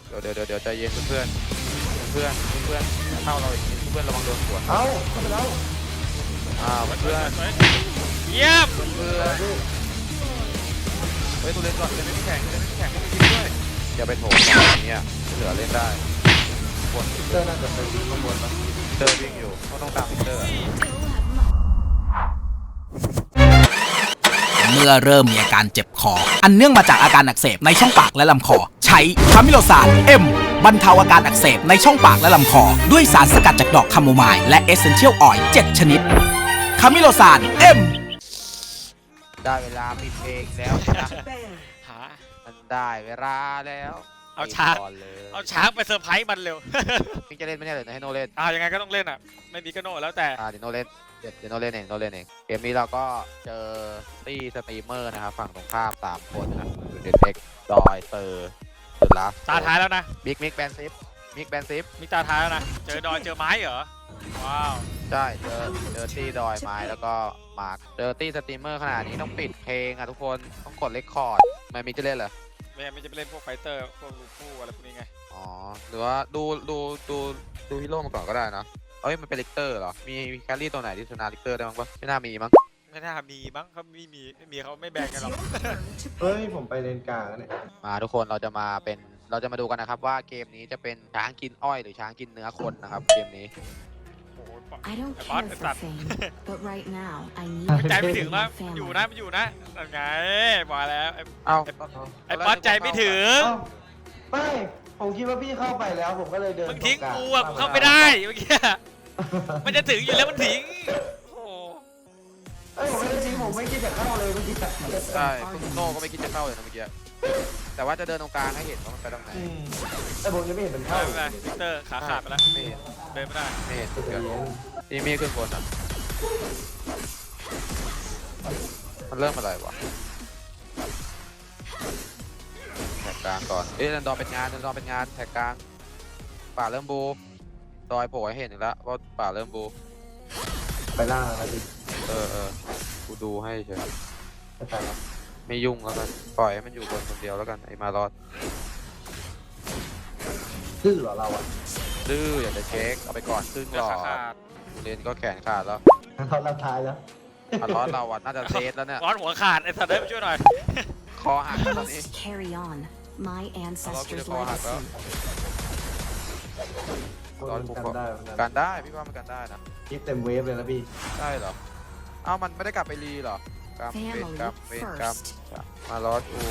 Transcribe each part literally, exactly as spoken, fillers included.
เดี๋ยวเดี๋ยวเดี๋ยวเดี๋ยวใจเย็นเพื่อนเพื่อนเพื่อนเข้าเราอีกเพื่อนระวังโดนขวดเอ้าเข้าไปแล้วอ้าวเพื่อนเยี่ยมเพื่อนเฮ้ยตัวเล่นก่อนเล่นไม่แข็งเล่นไม่แข็งไม่ทิ้งด้วยอย่าไปโถมอย่างเงี้ยเหลือเล่นได้คนเตอร์น่าจะไปวิ่งข้างบนปะเตอร์วิ่งอยู่เขาต้องตามพิเตอร์เมื่อเริ่มมีอาการเจ็บคอ อันเนื่องมาจากอาการอักเสบในช่องปากและลำคอ ใช้คามิโลซานเอ็มบรรเทาอาการอักเสบในช่องปากและลำคอ ด้วยสารสกัดจากดอกคาโมไมล์และเอเซนเชียลออยล์เจ็ดชนิดคามิโลซานเอ็มได้เวลาปิดเพลงแล้วนะหามันได้เวลาแล้วเอาช้างก่อนเลยเอาช้างไปเซอร์ไพรส์มันเร็วมิงจะเล่นไม่ใช่เหรอให้โนเล่นอ่ายังไงก็ต้องเล่นอ่ะไม่มีก็โน่แล้วแต่อ่าเดี๋ยวโนเล่นเดี๋ยวเดี๋ยวโนเล่นเองโนเล่นเองเกมนี้เราก็เจอตี้สตรีมเมอร์นะครับฝั่งตรงข้ามสามคนนะครับคือเดนเด็กดอยเตอร์สุดละตาท้ายแล้วนะบิ๊กมิกแบนซิฟมิกแบนซิฟมีตาท้ายแล้วนะเจอดอยเจอไม้เหรอว้าวใช่เจอเจอตี้ดอยไม้แล้วก็มาร์คเจอตี้สตรีมเมอร์ขนาดนี้ต้องปิดเพลงอ่ะทุกคนต้องกดเรคคอร์ดไม่มิกจะเล่นเหรอไม่ไม่จะไปเล่นพวกไฟเตอร์พวกลูฟูอะไรพวกนี้ไงอ๋อหรือว่าดูดูดูดูฮีโร่มาก่อนก็ได้นะเอ้ยมันเป็นลิกเตอร์เหรอมีแคลรี่ตัวไหนที่ชนะลิกเตอร์ได้บ้างปะไม่น่ามีมั้งไม่น่ามีมั้งเขาไม่มีไม่มีเขาไม่แบ่งกันหรอกเฮ้ยผมไปเลนกลางแล้วเนี่ยมาทุกคนเราจะมาเป็นเราจะมาดูกันนะครับว่าเกมนี้จะเป็นช้างกินอ้อยหรือช้างกินเนื้อคนนะครับเกมนี้โอ้โห I don't ไอ้บอส care ไอ้ for สัตว์ fame, but right now I need ใจไม่ถึง my นะมันอยู่ family. นะมันอยู่นะนั่นไงบอกแล้วไอ้เอ้าไอ้บอสใจไม่ถึงเอ้าไม่ผมคิดว่าพี่เข้าไปแล้วผมก็เลยเดินมึงทิ้งตรกูลอ่ะกูเข้าไม่ได้เมื่อกี้มันจะถึงอยู่แล้วมันทิ้งโอ้โหเอ้ยผมไม่ได้ทิ้งผมไม่คิดจะเข้าเลยเมื่อกี้ใช่คุณโน่ก็ไม่คิดจะเข้าเลยนะเมื่อกี้แต่ว่าจะเดินตรงกลางให้เห็นว่ามันไปตรงไหนอืมแต่ผมยังไม่เห็นมันเข้าไม่เป็นไรวิกเตอร์ขาขาดไปแล้วไม่เห็นเดินไม่ได้ไม่เห็นเดี๋เกิยดวนี่มีขึ้นบนอ่ะมันเริ่มอะไรวะแท็กกลางก่อนเอ้ยเดินดอเป็นงานเดินดอเป็นงานแท็กกลางป่าเริ่มบูดอยโผล่ให้เห็นอีกแล้วว่าป่าเริ่มบูไปล่างแล้วดิเออเออกูดูให้เฉยไปตายแล้วไม่ยุ่งแล้วกันปล่อยให้มันอยู่บนคนเดียวแล้วกันไอ้มารอดดื้อเหรอเราอ่ะดื้ออยากจะเช็คเอาไปก่อนครึ่งเดืหอลดอขาดขาดเรียนก็แขนขาดแล้วเราเราทายแล้วมารอดเราอ่ะน่าจะเซฟแล้วเนี่ยร้อนหัวขาดไอ้สัตว์ได้ไปช่วยหน่อยคอหัก I แล้วตอนนี้ must carry on my มารอดกู ancestors' จะคอหักแล้ว legacy. คนมันกันได้เหมือนกักัน นได้พี่ว่ามันกันได้นะคิดเต็มเวฟเลยนะพี่ได้เหรอเอ้ามันไม่ได้กลับไปรีเหรอกรรมเวรกรรมเวรกรรมมารอดกู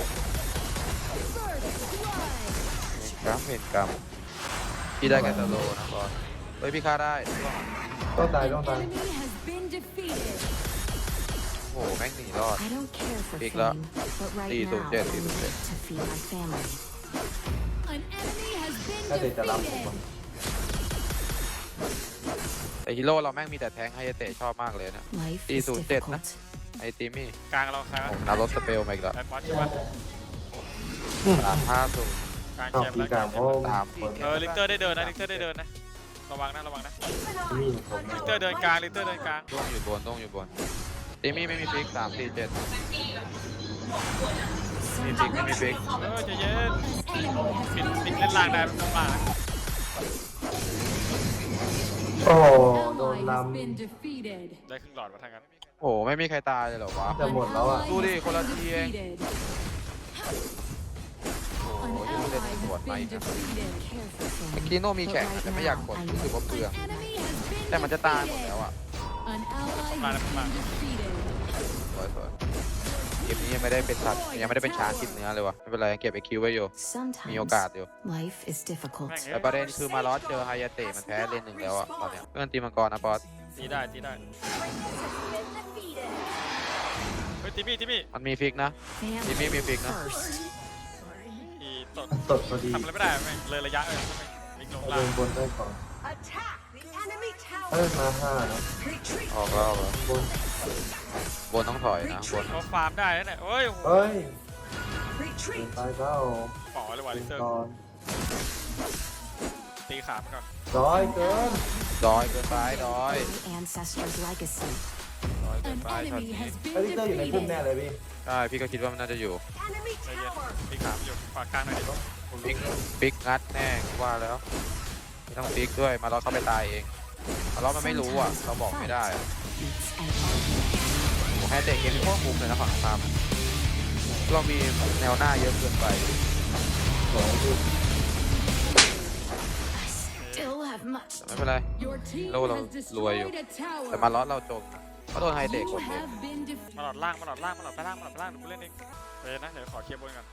เวรกรรมเวรกรรมพี่ได้แค่สโลนะบอสเฮ้ยพี่ฆ่าได้ต้องตายต้องตาย Enemy has been defeated. โอ้โหแม่งหนีรอด I don't care for Big fame, luck. but right Đi now tụi I chết, đi need tụi chết. to feed my family. An enemy has been ถ้าเด็กจะรับผม defeated. แต่ฮีโร่เราแม่งมีแต่แทงไฮเตะชอบมากเลยนะ Life Đi is tụi chết difficult. ไอติมี่กลางเราใครวะผมนารถสเปลมาอีกแล้วไอ้บอสใช่ปะสามห้าศูนย์กลางชอบแชมป์พี่แล้วกลางเพราะตามคนเออลิกเตอร์ได้เดินนะลิกเตอร์ได้เดินนะระวังนะระวังนะมีผมลิกเตอร์เดินกลางลิกเตอร์เดินกลางต้องอยู่บนต้องอยู่บนติมี่ไม่มีฟิกสามสี่เจ็ดมีฟิกไม่มีฟิกเออใจเย็น An enemy has ปิด been ปิดเล่นล่างได้ไม่ต้องมาโอ้โหโดน ally ล has been defeated. ได้ครึ่งหลอดมาทางนั้นโอ้โหไม่มีใครตายเลยเหรอวะำจะหมดแล้วอ่ะดูดิ Ally คนละ has ที been เอง defeated. โอ้โห An ยังไม่ได้ ally ตรวจ has มา been อีกนะ defeated. Care for เมื่อ fame, กี้โน่มี but แข่ง right แต่ไม่อยาก now กด I รู้สึก need ว่าเปลือง Enemy has been แต่มันจะตายหมด defeated. แล้วอ่ะ An ally Mana, has mana. been defeated. สวยสวยเกมนี้ยังไม่ได้เป็นสัตว์ยังไม่ได้เป็นช้างกินเนื้อเลยวะไม่เป็นไรยังเก็บไอคิวไว้อยู่ มีโอกาส sometimes อยู่ life is difficult. แม่งแต่ประเด็นคือมาลอสเจอไฮยาเตะมันแพ้เลนหนึ่งแล้วอ่ะตอนเนี้ยเพื่อนตีมังกรนะบอสตีได้ตีได้เฮ้ยตีมี่ตีมี่มันมีฟิกนะ Family Give me me big, no? first. อีตดสดพอดีทำอะไรไม่ได้แม่งเลยระยะเลยวิ่งลงเอาล่าเดิงนบนได้ก่อน Attack the enemy เอ้ย tower. มาห้านะ Retreat. ออกแล้วออกแล้วบนบนต้องถอยนะบนเขาฟาร์มได้แล้วเนี่ยเฮ้ยโอ้โหเฮ้ย เดิน Retreat. ไปเปล่าป๋อเลยว่ะลิกเตอร์ก่อนตีขามันก่อนร้อยเกินดอยเกินไปดอย My ancestors' legacy. ดอยเกิน An ไปช็อต enemy นี้ has ไอ้ been ลิเตอร์อยู่ในพุ่มแน่ defeated. เลยพี่ใช่พี่ก็คิดว่ามันน่าจะอยู่ Enemy ใจเย็น tower. ตีขามันอยู่ขวากลางหน่อยดิบปิกปิกงัดแน่ว่าแล้วไม่ต้องปิกด้วยมาล้อเข้าไปตายเองมาล้อมันไม่รู้อ่ะเราบอกไม่ได้อะ Beats an argument. ผมให้เตะเกมที่โคตรมุมเลยนะฝั่งตามเรามีแนวหน้าเยอะเกินไป I still have much แต่ไม่เป็นไร Your team Lâu rồi, has lùi destroyed a แต่ tower. มาล้อเราจมเขาโดนไฮเตะ You กดเลย have been มาหล defeated. อดล่างมาหลอดล่างมาหลอดไปล่างมาหลอดไปล่างเดี๋ยวกูเล่นเองเดี๋ยวนะเดี๋ยวขอเคลียร์บนก่อน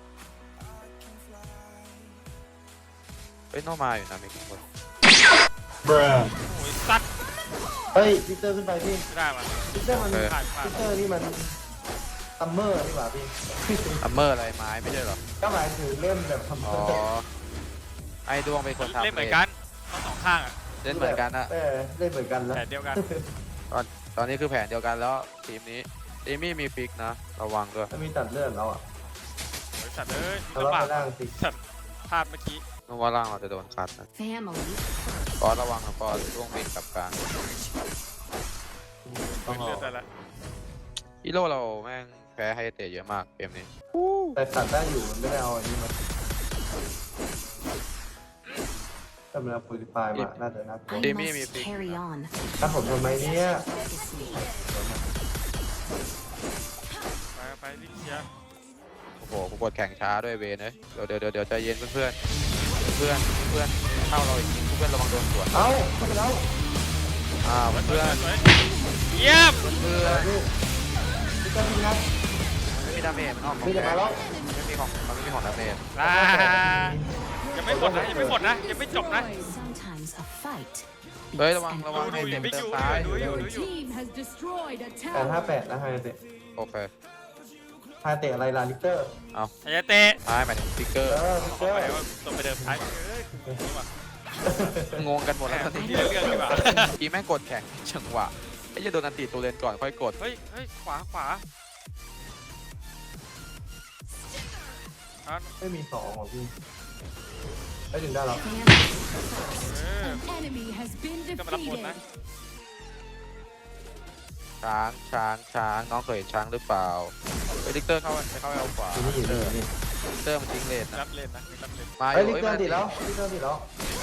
เฮ้ยโนมาอยู่นะมีคนโอ้ยสัตว์เฮ้ยวิกเตอร์ขึ้นไปพี่ไม่ได้มาวิกเตอร์มันผ่านผ่านวิกเตอร์นี่มันซัมเมอร์นี่หว่าพี่ซัมเมอร์อะไรไม้ไม่ใช่เหรอก็หมายถึงเล่นแบบซัมเมอ๋ออร์ไอ้ดวงเป็นคนทำเล่นเหมือนกันทั้งสองข้างอ่ะเล่นเหมือนกันอะเออเล่นเหมือนกันแล้วแต่เดียวกันตอนตอนนี้คือแผนเดียวกันแล้วทีมนี้เอมี่มีฟิกนะระวังด้วยถ้ามีตัดเลือดแล้วอ่ะโอ้ยสัตว์เอ้ยทะเลาะลำบากไปล่างสิสัตว์พลาดเมื่อกี้โนว่าล่างเราจะโดนคัดนะ family ปอระวังนะปอร่วงบินกลับกลางต้องเลือดได้แล้วฮีโร่เราแม่งแพ้ไฮเตะเยอะมากเกมนี้แต่ตัดได้อยู่มันไม่ได้เอาอันนี้มาถ้ามันเอาปูริฟายมาน่าจะน่ากลัว I Timmy, must me, carry on ถ้าผมทำไมเนี่ย legacy. ไปไปรีบเคลียร์โอ้โหกูกดแข่งช้าด้วยเวนเลยเดี๋ยวเดี๋ยวเดี๋ยวเดี๋ยวใจเย็นเพื่อนเพื่อนเพื่อนเข้าเราอีกทีเพื่อนระวังโดนสวนเอ้าเข้าไปแล้วอ้าวเพื่อนสวยเยี่ยมเพื่อนพี่วิกเตอร์พี่นัทไม่มีดาเมจมันออกของพี่จะแกมาแล้วมันไม่มีของมันไม่มีของดาเมจลายังไม่หมดนะยังไม่หมดนะยังไม่จบนะ Sometimes a fight เฮ้ย beats ระวัง an ระวังดูให้ดูเต็มไม่เติอมยู่ซ้ายดูอยู่ Your ดูอยู่ team has destroyed a แปดห้า tower. แปดนะไฮเตะโอเคไฮเตะอะไรล่ะลิกเตอร์ไอ้เตะท้ายหมายถึงสติ๊กเกอเอร์อลิกขเตออร์ไปว่าตรงไปเดิมท้ายเอ้ยนี่ว่ะงงกันหมดแล้วตอนนี้ที่เรื่องดีกว่าเมื่อกี้แม่งกดแข่งจังหวะไอ้จะโดนอันตีตัวเลนก่อนค่อยกดเฮ้ยเฮ้ยขวาขวาอ่ะไม่มีสองหรอพี่ไม่ถึงได้แล้ว family เออ An enemy has been ก็มารับบนนะ defeated. ช้างช้างช้างน้องเคยเห็นช้างหรือเปล่าเฮ้ยลิกเตอร์เข้าไปเข้าไปเอาขวาอยู่นี่อยู่นี่อยู่นี่ลิกเตอร์มันทิ้งเลนนะรับเล่นนะรับเล่นมาอเฮ้ยยู่ลิกเตอร์ติดแล้วลิกเตอร์ติดแล้ว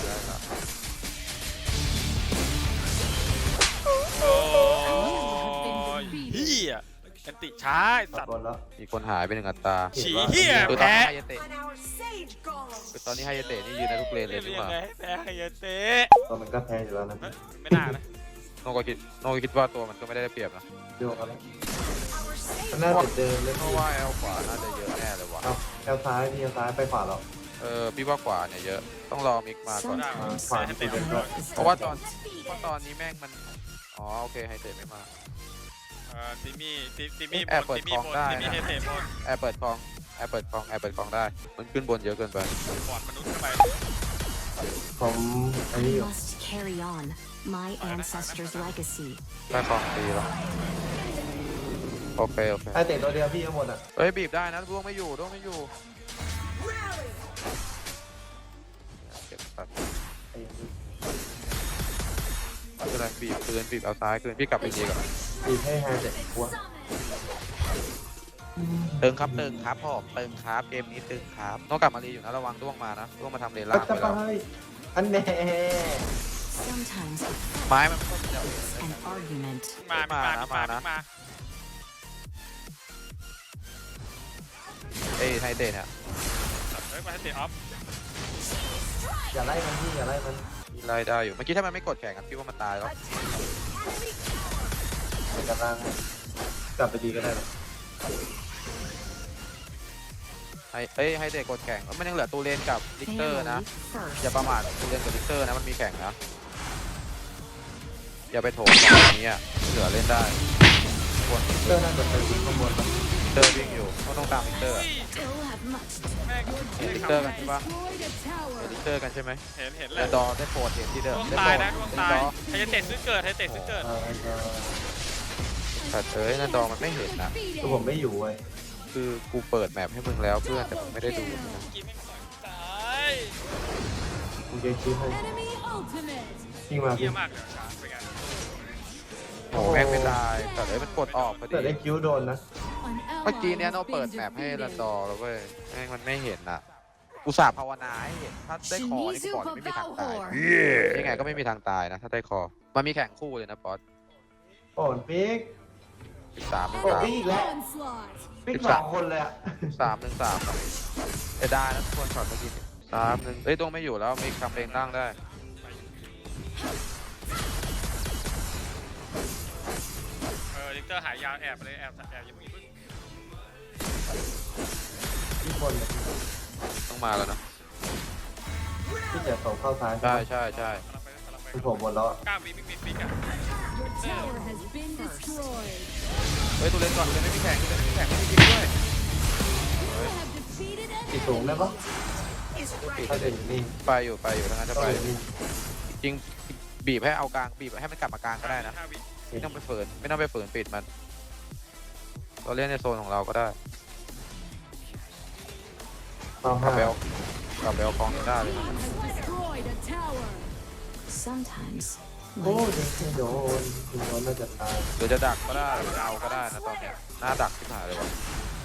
โอ้ยเฮียกันติช้าไอ้ตัสัดตว์บอลแล้วมีคนหายไปหนึ่งอัตราฉีเฮียคือตอนแพ้นี้ไฮยาเตะ On our sage golem. คือตอนนี้ไฮยาเตะนี่ยืนในทุกเลนเลเล่ยนดีกยังว่าไงให้แพ้ไฮยาเตะตอนมันก็แพ้อยู่แล้วนะไม่น่านะโนก็คิดโนก็คิดว่าตัวมันก็ไม่ได้เปรียบนะโยกอะไรมันน่าจะเดินเลยเพราะว่าแอลขวาน่าจะเยอะแน่เลยว่ะเอาแอลซ้ายพี่แอลซ้ายไปขวาแล้วเออพี่ว่าขวาเนี่ยเยอะต้องรอมิกมาก่อน sometimes Fine. the path is เพราะว่าตอน difficult. เพราะตอนนี้แม่งมันอ๋อโอเคไฮเตะไม่มาเออติมี่ติติมี่บแอบนเปิดติมี่ของบนได้ติมี่นะเฮเตะบนแอร์เปิดคลองแอร์เปิดคลองแอร์เปิดคลองได้ มันขึ้นบนเยอะเกินไปบอดมนุษย์เข้าไปผมอันนี้ I อยู่ must carry on my ancestors' legacy. ได้คลองตีแล้วโอเคโอเคไอเตะตัวเดียวพี่ทั้งหมดอ่ะเฮ้ยบีบได้นะร่วงไม่อยู่ร่วงไม่อยู่เก็บตัดไอ้นี่ไม่เป็นไรบีบคืนบีบเอาซ้ายคืนพี่กลับไปดีก่อนตีให้ไฮเตะกลัวเติงครับเติงครับผมเติงครับเกมนี้เติงครับต้องกลับมารีอยู่นะระวังร่วงมานะร่วงมาทำเลนปัล่าดงจะไปไปแล้วอันแน่ Sometimes a ไม้มันก็จะ fight, an argument. มามามามามาเอ้ยไฮเตะเนี่ยเฮ้ยมาให้เตะออฟอย่าไล่มันพี่อย่าไล่มันมีไล่ได้อยู่เมื่อกี้ถ้ามันไม่กดแข่งกันพี่ว่ามันตายแล้วมันกำลังกลับไปดีก็ได้นะไฮเอ้ยไฮเตะกดแข่งมันยังเหลือตูเลนกับลิกเตอร์ Family นะ first. อย่าประมาทตูเลนกับลิกเตอร์นะมันมีแข่งนะอย่าไปโถมแบบนี้อ่ะเหลือเล่นได้ควรเตอร์น่าจะไปวิ่งข้างบนปะลิกเตอร์วิ่งอยู่ต้องต้องตามลิกเตอร์อะ Still have much to แม่งเห็นลิกเตอร์กันใช่ปะ Destroyed a เห็น tower. ลิกเตอร์กันใช่ไหมเห็นเห็นเลแล้ยวดอได้โปรดเห็นที่เดิมดวงได้ตาโปรยดนะดวงเป็นตายดอไฮยาเตะซื้อเกิดไฮยาเตะซื้อเกิดเออเออแต่เอ้ยนั่นดอมันไม่เห็นนะคือผมไม่อยู่เว้ยคือกูเปิดแมปให้มึงแล้วเพื่อนแต่มึงไม่ได้ดูนะกินไม่ต่อยตายกูจะคิดให้ Enemy ultimate. ยิงมาเยี่พี่ยมากเลยช้าเป็นไงโอ้แม่งไม่ตายแต่เอ้ยมันกดออกพอดีแต่ได้คิ้วโดนนะ An เมื่อกี้ ally เนี้ย has เราเปิด been แมปให้รัน defeated. ดอแล้วเว้ยแม่งมันไม่เห็นอ่ะ กูกูสาบภาวนาให้ถ้าได้คอนี่กูบอกเลยไม่มีทางตายยังไงก็ไม่มีทางตายนะถ้าได้คอมันมีแข่งคู่เลยนะป๊อตโอ้ยปิ๊กสิบสามหนึ่งโอ้สามปิ๊กอีกแล้ว Onslaught. ปิ๊กสิบสสามองคนเลยอะสามหนึ่งสามเอได้นะทุกคนช็อตเมื่อกี้สามหนึ่งเอ้ยตรงไม่อยู่แล้วมีคำเลงตั้งได้เออลิกเตอร์หายยาวแอบไปเลยแอบแอบอยังมีพึ่งพี่บนเลยต้องมาแล้วนะพี่จะส่งเข้าซ้ายใช่ใช่ใช่กำลังไปกำลังไปคือผมบนแล้วกล้ามมีมิกมิกมิกอ่ะ Your tower has been destroyed. เฮ้ยตัวเล่นก่อนตัวเล่นไม่มีแข่งตัวเล่นไม่มีแข่งไม่มีจริงด้วย You have defeated ติด an สูงได้ปะ Is ถ้า right. เดินอยู่นี่ไปอยู่ไปอยู่ทั้งนั้นจะก็ไปอยู่นี่จริงบีบให้เอากลางบีบให้มันกลับมากลางก็ได้นะห้าวิไม่ต้องไปฝืนไม่ต้องไปฝืนปิดมันเราเล่นในโซนของเราก็ได้ต้องกลัห้าบไปเอากลับไปเอาของได้เลยนะ team has destroyed a tower. Sometimes โอ้ย life ไม่โดนคุณโดนน่าจะตายหรือจะดักก็ได้หรือจะเอาก็ได้นะตอนเนี้ยหน้าดักที่หายเลยวะ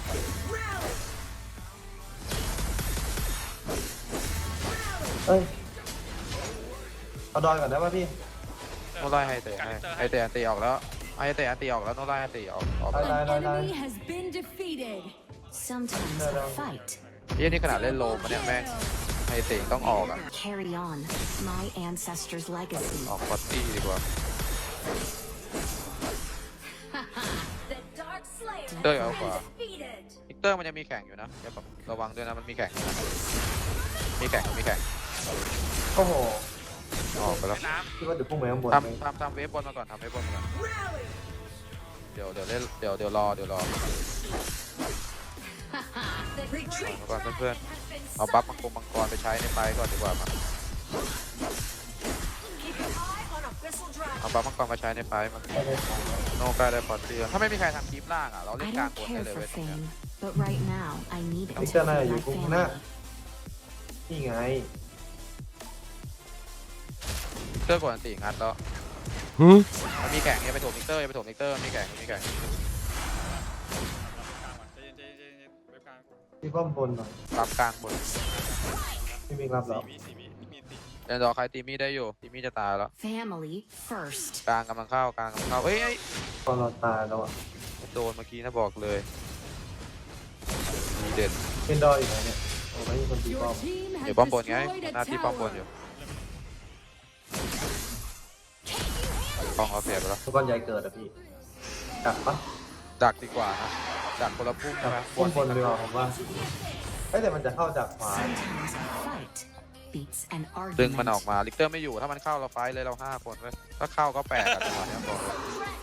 เอ้ยเอาดอยก่อนได้ป่ะพี่โนไล่ให้เตะให้ให้เตะอันตีออกแล้วให้เตะอันตีออกแล้วโนไล่อันตีออกออกไปได้ An ได้ได้ enemy has been defeated. sometimes No, no. a fight เยี่ยนี่ขนาดเล่นโลมาเนี่ยแม่งให้เตะต้องออกอ่ะ carry on my ancestors' legacy. ออกปอตตี้ดีกว่า The Dark Slayer has เตอร์เอาขวา defeated. วิกเตอร์มันยังมีแข่งอยู่นะอย่าแบบระวังด้วยนะมันมีแข่งอยู่นะมีแข่งมีแข่งโอ้โหออกไปแล้วน้คิดว่าเดี๋ยวพุ่งไปข้างบนไหมทำทำทำเวฟบอลมาก่อนทำเวฟบอลมาก่อน Rally. เดี๋ยวเดี๋ยวเล่นเดี๋ยวเดี๋ยวรอเดี๋ยวรอ The Retreat มาก่อนเพื่อน has been ๆเอาบัฟมังกรมังกรไปใช้ในไฟก่อนดีกว่ามา Keep an eye on Abyssal เอา Dragon. บัฟมังกรมาใช้ในไฟมาไม่ได้ของโนกล้ได้พอตตี้ถ้าไม่มีใครทำคลิปล่างอ่ะเราเล่น I กลาง don't บนได้ care เลย for เว้ยตรงเนี้ย fame, but right now I need it ไม่ to เชื่อ feed หน้า my อยู่พุ่งหน้า family. นี่ไงเตอร์กดอันตีงัดแล้วมันมีแข่งเนี่ยไปโถมมิกเตอร์อย่าไปโถมมิกเตอร์มีแข่งมีแข่งำกลางก่อนใจเย็นใจเย็นใจเย็นเว็บกลางพี่ป้อมบนหน่อยรับกลางบนพี่มิกรับแล้สี่ววิสี่วิมีติเดนดอร์ใครตีมี่ได้อยู่ตีมี่จะตายแล้ว Family first. กลางกำลังเข้ากลางกำลังเข้าเอ้ยเอ้ยตอนเราตายแล้วอ่ะโดนเมื่อกี้นะบอกเลยมีเด่นเป็นดอยอยู่ไหนเนี่ยโอ้ไม่มีคนตีป้อ Your ม team อ has ยู่ป้อมบนไง destroyed a หน้าที่ป้อมบนอ tower. ยู่ป้องเขาเสียไปแล้วทุกคนใหญ่เกิดอ่ะพี่ดักปะดักดีกว่านะดักคนละพุ่มดัใช่กไหมพุ่งบนดีกว่าผมว่าเอ้ยแต่มันจะเข้าจากขวา Sometimes a fight beats an ดึงมันออก argument. มาลิกเตอร์ไม่อยู่ถ้ามันเข้าเราไฟท์เลยเราห้าคนเว้ยถ้าเข้าก็แปลกอะจังหวะเนี้ยบอกเลย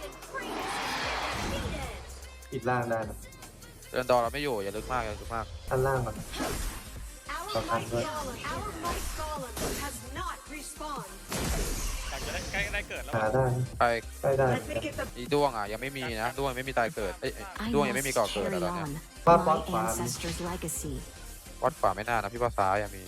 ปิดล่างได้นะเดินดอร์เราไม่อยู่อย่าลึกมากอย่าลึกมากท่านล่างก่อน Our might golem, our might golem has not respawned. หลังจะได้ใกล้ได้เกิดแล้วหาได้ใครใกล้ได้ Let me get the อีด้วงอ่ะยังไม่มีนะด้วงยังไม่มีตายเกิดเอ้ยเอ้ย I ด้วงยังไม่มี must ก่อเกิด carry แล้วตอนเนี้ย on ป้า my ป้าขวา ancestors' legacy. วัดขวาไม่น่านะพี่ว่าซ้ายยังมี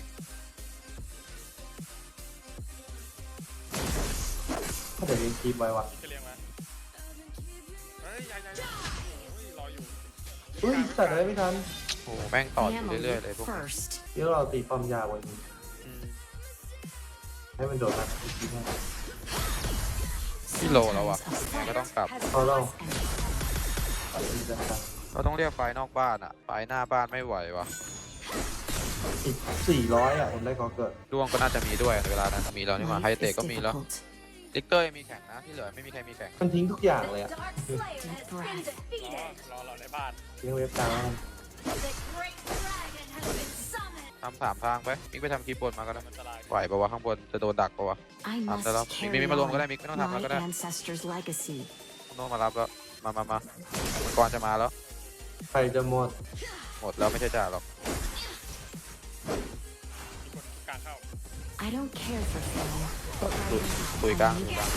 ถ้าเดี๋ยวยิงคีบไว้วะจะเลี้ยงมาเฮ้ยยายยายรออยู่อุ้ยตัดอะไรไม่ทันโอ้โหแม่งต่ออยู่ Family เรื่อยๆเลยพวกนี้ first. เดี๋ยวเราตีป้อมยาวไว้นี่อืมให้มันโดดมาอีกทีนึงพี่โลแล้วอ่ะ Sometimes a ยังไงก็ต้องกลับพอเรา and ตีจะตัดเราต้องเรียกไฟนอกบ้านอ่ะไฟหน้าบ้านไม่ไหววะอีกสี่ร้อยอ่ะผมได้ขอเกิดด้วงก็น่าจะมีด้วยในเวลานั้นมีแล้วนี่หว่าไฮ life เตะ is ก็มีแล้ว difficult. ลิกเตอร์ยังมีแข่งนะที่เหลือไม่มีใครมีแข่งมันทิ้งทุกอย่างเลย The อ่ะ Dark Slayer has been รอ defeated. รอเราในบ้านทิ้งเว็บกลาง The Great Dragon has been summoned. ทำสามทางไปมิกไปทำคีย์บนมาก็ได้มันอันตรายไหวปะวะข้างบนจะโดนดักปะวะ I ทำได้แล้ว must มิก carry มิกมารวมก็ได้ on มิกไม่ต้องทำแล้วก็ my ได้ ancestors' legacy. โน้ตมารับแล้วมามามาก่อนจะมาแล้วใครจะหมดหมดแล้วไม่ใช่จ่าหรอกมีคนกลางเข้า I don't care for fame, but ตุ right ยตุย now กลาง I ตุย need กลาง it.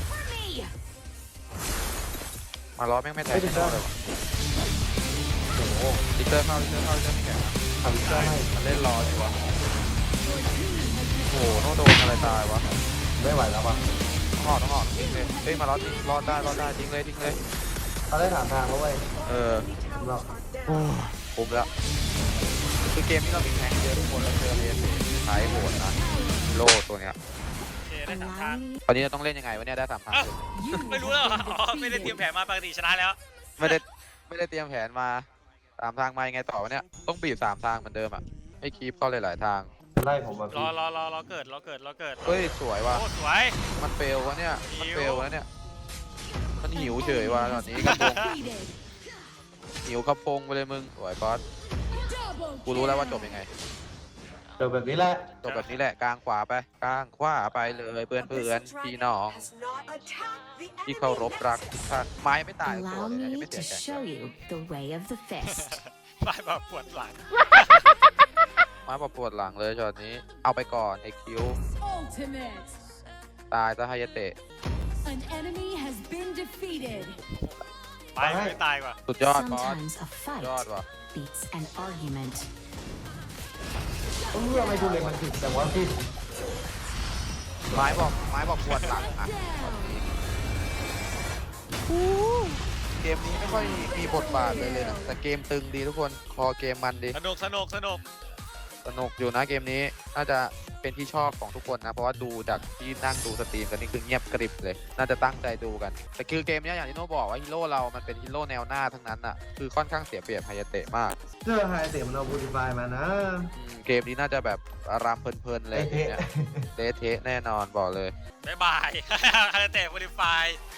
มาล้อแม่งไม่แทงไม่ได้เลยวะโอ้โหลิกเตอร์เข้าลิกเตอร์เข้าลิกเตอร์ไม่แข่งนะทำได้มันเล่นรออยู่วะโอ้โหต้องโดนอะไรตายวะไม่ไหวแล้วว่ะต้องออกต้องออกทิ้งเลยเฮ้ยมาล้อทิ้งรอดได้รอดได้ทิ้งเลยทิ้งเลยเขาได้ถามทางเขาไว้เออสำหรับโอ้คุ้มแล้วคือเกมนี้เรามีแข่งเยอะทุกคนเราเจอเรียนใช้โหดนะโล่ตัวเนี้ยโอเคได้สามทาง Allow me ตอนนี้เราต้องเล่นยังไงวะเนี่ยได้สามทางเอ้าคือ You ไม่รู้แล้วเหรอ have อ๋อ ไม่ได้เตรียมแผนมาปกติชนะแล้วไม่ได้ไม่ได้เตรียมแผนมาสามทางมายังไงต่อวะเนี่ยต้องบีบสามทางเหมือนเดิมอ่ะให้คีปเข้าหลายๆทางจะไล่ผมมารพี่อรอรอรอเกิดรอเกิดรอเกิดเฮ้ยสวยว่ะโอ้สวยมันเฟลวะเนี่ยมันหิวเฟลวะเนี่ยมันหิวเฉยว่ะตอนนี้กระพง defeated. หิวกระพงไปเลยมึงสวยบอส Double กูรู้แล้วว่าจบ kill. ยังไงเจอแบบนี้แหละจบแบบนี้แหละกลางขวาไปกลางขวาไปเลยเพื่อนเพื่อนๆพี่น้อง has not attacked the ที่เคารพรักทุกท่านไม้ไม่ตายตัว Allow เลยนะยัง me ไม่เสี to ยใจ show you the way of the fist. ไปแบบปวดหลังไม้ปวดปวดหลังเลยช็อตนี้เอาไปก่อนไอคิว Ultimate. ตายซะไฮายาเตะ An enemy has been defeated. ไปไม่ตายกว่าสุดยอดบอส Sometimes a สุดยอด fight ว่ะ beats an argument. เออไม่ดูเลยมันผิดแต่ว่าพี่ไม้บอกไม้บอกปวดหลังอ่ะ Down. เกมนี้ไม่ค่อยมีบทบาทเลยเลยนะแต่เกมตึงดีทุกคนคอเกมมันดีสนุกสนุกสนุกสนุกอยู่นะเกมนี้น่าจะเป็นที่ชอบของทุกคนนะ เพราะว่าดูจากที่นั่งดูสตรีมกันนี่คือเงียบกริบเลย น่าจะตั้งใจดูกัน แต่คือเกมเนี้ยอย่างที่โน่บอกว่าฮีโร่เรามันเป็นฮีโร่แนวหน้าทั้งนั้นอ่ะคือค่อนข้างเสียเปรียบไฮยาเตะมากเสื้อไฮเตะมันเอาบูติฟายมานะอืมเกมนี้น่าจะแบบอารามเพลินๆเลยเละเนี่ยเละเทะแน่นอนบอกเลยบ๊ายบาย คาราเต้โมดิฟาย